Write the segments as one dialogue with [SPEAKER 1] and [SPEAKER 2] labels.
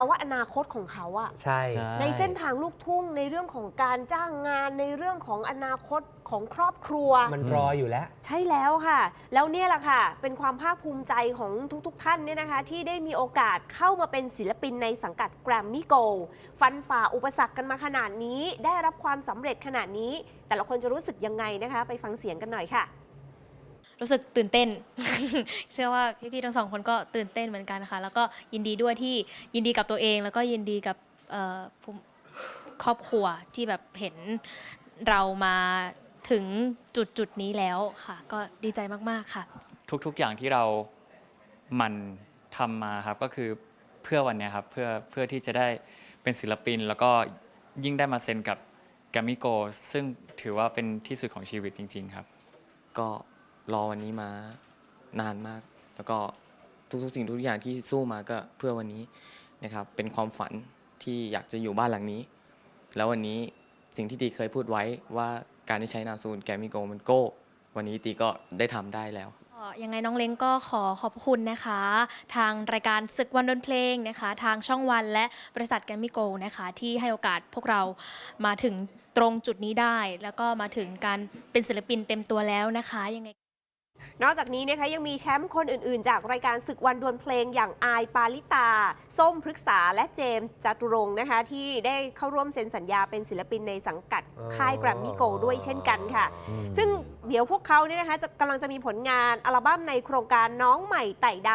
[SPEAKER 1] ว่าอนาคตของเขาอะ
[SPEAKER 2] ใช่
[SPEAKER 1] ในเส้นทางลูกทุ่งในเรื่องของการจ้างงานในเรื่องของอนาคตของครอบครัว
[SPEAKER 2] มันรออยู่แล้ว
[SPEAKER 1] ใช่แล้วค่ะ แล้วเนี่ยแหละค่ะเป็นความภาคภูมิใจของทุกๆท่านเนี่ยนะคะที่ได้มีโอกาสเข้ามาเป็นศิลปินในสังกัด Grammy Gold ฟันฝ่าอุปสรรคกันมาขนาดนี้ได้รับความสำเร็จขนาดนี้ แต่ละคนจะรู้สึกยังไงนะคะ ไปฟังเสียงกันหน่อยค่ะ
[SPEAKER 3] รู้สึกตื่นเต้น เชื่อว่าพี่ๆทั้งสองคนก็ตื่นเต้นเหมือนกันค่ะแล้วก็ยินดีด้วยที่ยินดีกับตัวเอง แล้วก็ยินดีกับครอบครัวที่แบบเห็นเรามาถึงจุดนี้แล้วค่ะ ก็ดีใจมากๆค่ะ
[SPEAKER 4] ทุกๆอย่างที่เราหมั่นทำมาครับก็คือเพื่อวันเนี้ยครับเพื่อที่จะได้เป็นศิลปิน แล้วก็ยิ่งได้มาเซ็นกับแกรมมี่โกลด์ซึ่งถือว่าเป็นที่สุดของชีวิตจริงๆครับ
[SPEAKER 5] ก็รอวันนี้มานานมาก แล้วก็ทุกๆสิ่งทุกอย่างที่สู้มาก็เพื่อวันนี้นะครับเป็นความฝันที่อยากจะอยู่บ้านหลังนี้ แล้ววันนี้สิ่งที่ตีเคยพูดไว้ว่าการที่ใช้นามสกุลแกรมมี่โกลด์มันโก้ วันนี้ตีก็ได้ทำได้แล้ว
[SPEAKER 3] ยังไงน้องเล้งก็ขอขอบคุณนะคะ ทางรายการศึกวันดนเพลงนะคะ ทางช่องวันและบริษัทแกรมมี่โกลด์นะคะที่ให้โอกาสพวกเรามาถึงตรงจุดนี้ได้ แล้วก็มาถึงการเป็นศิลปินเต็มตัวแล้วนะคะยังไง
[SPEAKER 1] นอกจากนี้นะคะยังมีแชมป์คนอื่นๆ จากรายการศึกวันดวลเพลงอย่างอายปาลิตา ส้มพฤกษาและเจมส์จตุรงค์นะคะที่ได้เข้าร่วมเซ็นสัญญาเป็นศิลปินในสังกัดค่ายแกรมมี่โกลด์ด้วยเช่นกันค่ะ ซึ่งเดี๋ยวพวกเขาเนี่ยนะคะกำลังจะมีผลงานอัลบั้มในโครงการน้องใหม่ไต่ดาว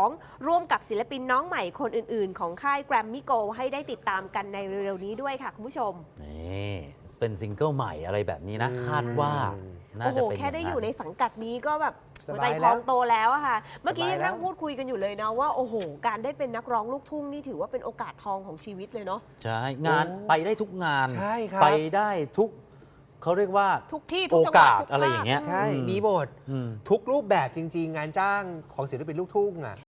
[SPEAKER 1] 2 ร่วมกับศิลปินน้องใหม่คนอื่นๆ ของค่ายแกรมมี่โกลด์ให้ได้ติดตามกันในเร็วๆนี้ด้วยค่ะคุณผู้ชม
[SPEAKER 6] นี่เป็นซิงเกิลใหม่อะไรแบบนี้นะคาดว่าน่า
[SPEAKER 1] โอ้โห
[SPEAKER 6] จะเป็น
[SPEAKER 1] แค่ได้อยู่ใน
[SPEAKER 6] าง
[SPEAKER 1] สังกัดนี้ก็แบบหัวใจ
[SPEAKER 2] สบาย
[SPEAKER 1] พ
[SPEAKER 2] แล้ว
[SPEAKER 1] องโตแล้วอะค่ะ เมื่อกี้
[SPEAKER 2] สบาย
[SPEAKER 1] ยัง
[SPEAKER 2] แล้ว
[SPEAKER 1] นั่งพูดคุยกันอยู่เลยนะว่าโอ้โหการได้เป็นนักร้องลูกทุ่งนี่ถือว่าเป็นโอกาสทองของชีวิตเลยเนาะ
[SPEAKER 6] ใช่งานไปได้ทุกงาน
[SPEAKER 2] ใช่ครับ
[SPEAKER 6] ไปได้ทุกเขาเรียกว่า
[SPEAKER 1] ทุกที่ทุ
[SPEAKER 6] โอก
[SPEAKER 1] จังหวัด
[SPEAKER 6] กาส
[SPEAKER 1] ทุก
[SPEAKER 6] อะไร
[SPEAKER 1] ภค
[SPEAKER 6] อย่างเงี้ย
[SPEAKER 2] ใช่
[SPEAKER 6] อืม
[SPEAKER 2] มีหมด
[SPEAKER 6] อืม
[SPEAKER 2] ทุกรูปแบบจริง ๆ งานจ้างของศิลปินลูกทุ่งอ่ะ